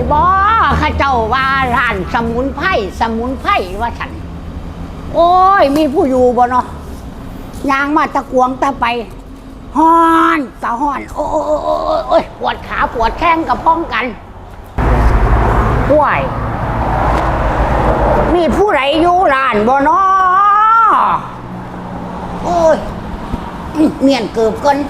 บ่ข้าเจ้าว่าร้านสมุนไพรว่าฉันโอ้ยมีผู้อยู่บ่เนาะยางมาตะกวงตะไปฮ้อนตะฮ้อนโอ้ยปวดขาปวดแข้งกับพ้องกันป่วยมีผู้ใดอยู่ร้านบ่เนาะโอ้ยเมียนเกือบกัน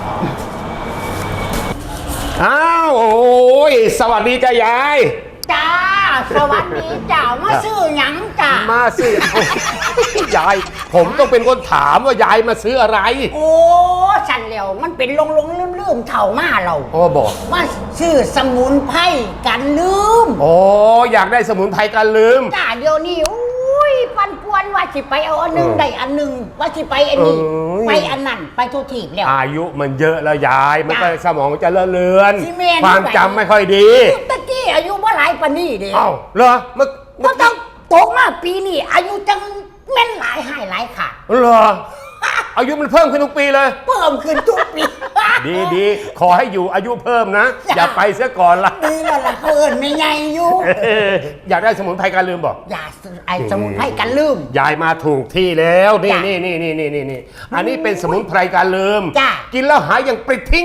อ้าวโอ้ยสวัสดีจ้ายายจ้าสวัสดีจ้ามาซื้อหยังจ้ามาซื้อยายผมต้องเป็นคนถามว่ายายมาซื้ออะไรโอ้ฉันแล้วมันเป็นลงลืมเถ่ามาเราบอกมาซื้อสมุนไพรกันลืมอยากได้สมุนไพรกันลืมจ้าเดี๋ยวนี้ปันป่วนว่าสิไปเอาอันนึงได้อันนึงว่าสิไปอันนี้ไปอันนั้นไปทุกทีแล้วอายุมันเยอะแล้วยายมันก็สมองจะเลื่อนความจำไม่ค่อยดีตะกี้อายุว่าหลายปานนี้เด้เหรอมันต้องโตมาปีนี้อายุจังแม่นหลายหายหลายค่ะเหรออายุมันเพิ่มขึ้นทุกปีเลยเพิ่มขึ้นทุกปีดีขอให้อยู่อายุเพิ่มนะอย่าไปเสียก่อนละดีแล้วล่ะเพิ่นไม่ใหญ่อยู่อยากได้สมุนไพรกันลืมบอกอยากไอ้สมุนไพรกันลืมยายมาถูกที่แล้วนี่อันนี้เป็นสมุนไพรกันลืมกินแล้วหายอย่างปลิดทิ้ง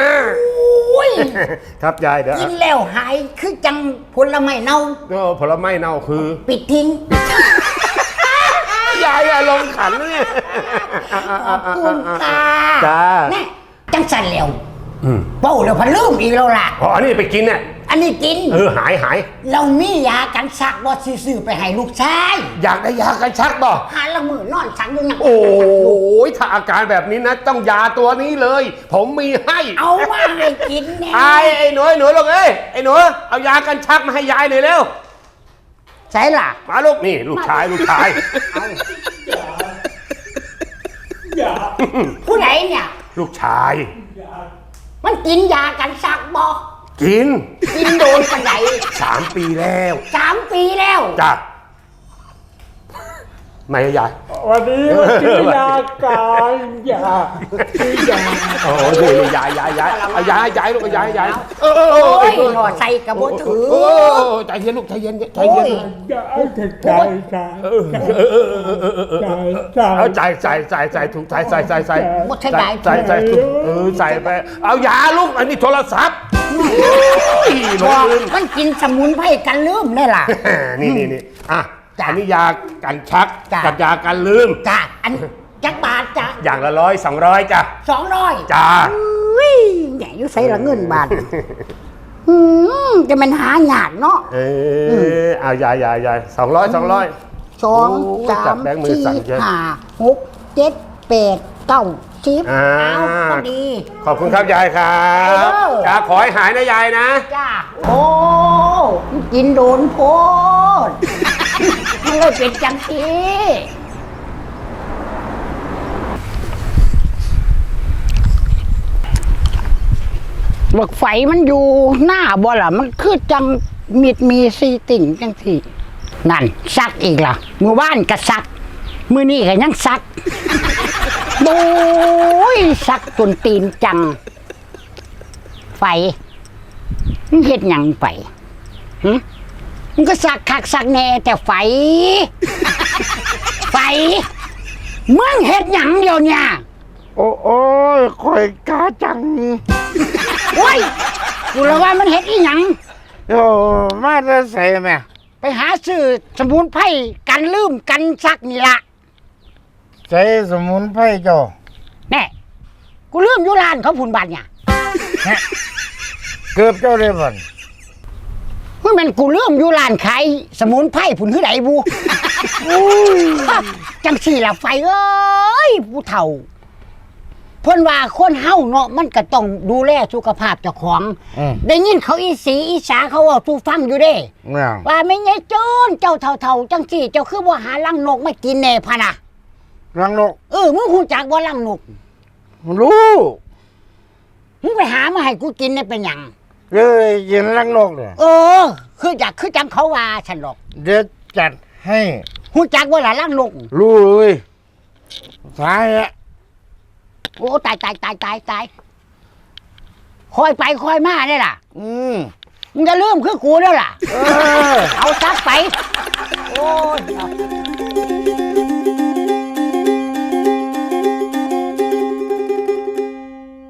ครับยายเดี๋ยวกินแล้วหายคือจังผลไม้เน่าผลไม้เน่าคือปิดทิ้งยายลงขันเนี่ยขอบคุณค่ะจ้าแน่จังสันแล้วเป้าเดี๋ยวพันลืมอีกแล้วล่ะอันนี้ไปกินเนี่ยอันนี้กินหายเรามียากันชักบ่ซื้อไปให้ลูกชายอยากได้ยากันชักบ่หาละมือนอนชักอยู่นั่งโอ้ยถ้าอาการแบบนี้นะต้องยาตัวนี้เลยผมมีให้เอามาให้กินแน่ไอ้หนูลูกไอ้หนูเอายากันชักมาให้ยายหน่อยเร็วใช่ล่ะมาลูกนี่ลูกชายผู้ไหนเนี่ยลูกชายมันกินยากันชักบ่กินโดนปานไหน 3 ปีแล้ว 3 ปีแล้วจ้ะไม่ยายวันนี้กินยากันยาดูยายเอายายลูกยายหน่อใส่กระโบถือใจเย็นลูกใจเย็นเอาใจถูกใจหมดใใจถูกใส่ไปเอายาลูกอันนี้โทรศัพท์มันกินสมุนไพรกันลืมได้ล่ะนี่อ่ะอันนี้ยากันชักกับยากันลืมจ้ะอันจักบาทจ้ะอย่างละ100 200จ้ะ 200 จ้าใหญ่ยุ่ใส่ละเงินบาทจะมันหาหยาดเนาะเอายาย200 2 3 4 5 6 7 8 9 10เอาพอดีขอบคุณครับยายครับจ้าขอให้หายนะยายนะจ้าโอ้กินโดนโพดมันเลยเป็นจังทีบักไฟมันอยู่หน้าบ่ล่ะมันคือจังมีซีติ่งจังทีนั่นซักอีกล่ะมือว่านก็ซักมือนี่ก็ยังซักโอ้ยซักจนตีนจังไฟมันเฮ็ดหยังไปมันก็ซักคักซักแน่แต่ไฟมึงเฮ็ดหยังเดียวเนี่ยโอ้ยคอยกาจังโอ้ยกูเลยว่ามันเฮ็ดอีหยังมาจะใส่ไหมไปหาซื้อสมุนไพรกันลืมกันซักนี่ละใส่สมุนไพรจ้ะแน่กูลืมอยู่ร้านเขาผุนบาทเนี่ยเกือบเจ้าเลยบ่มันกูลืมอยู่ร้านขายสมุนไพรผุนคือไหนบูจังสี่ละไฟเอ้ยผู้เฒ่าเพิ่นว่าคนเฮาเนาะมันก็ต้องดูแลสุขภาพเจ้าของได้ยินเขาอีสาเขาว่าสู้ฟังอยู่เด้ว่าไม่ไงโจนเจ้าเฒ่าจังสี่เจ้าคือบ่หาลังนกมากินแน่พะนะลังนกมึงฮู้จักบ่ลังนกรู้มึงไปหามาให้กูกินได้เป็นหยังกินลังนกเนี่ยคือจังเขาว่าฉันหรอกเดี๋ยวจัดให้ฮู้จักบ่ล่ะลังนกรู้เลยสายอะโอ้ตายคอยไปคอยมาได้ล่ะมึงจะลืมคือกูแล้วล่ะเออเอาซักไป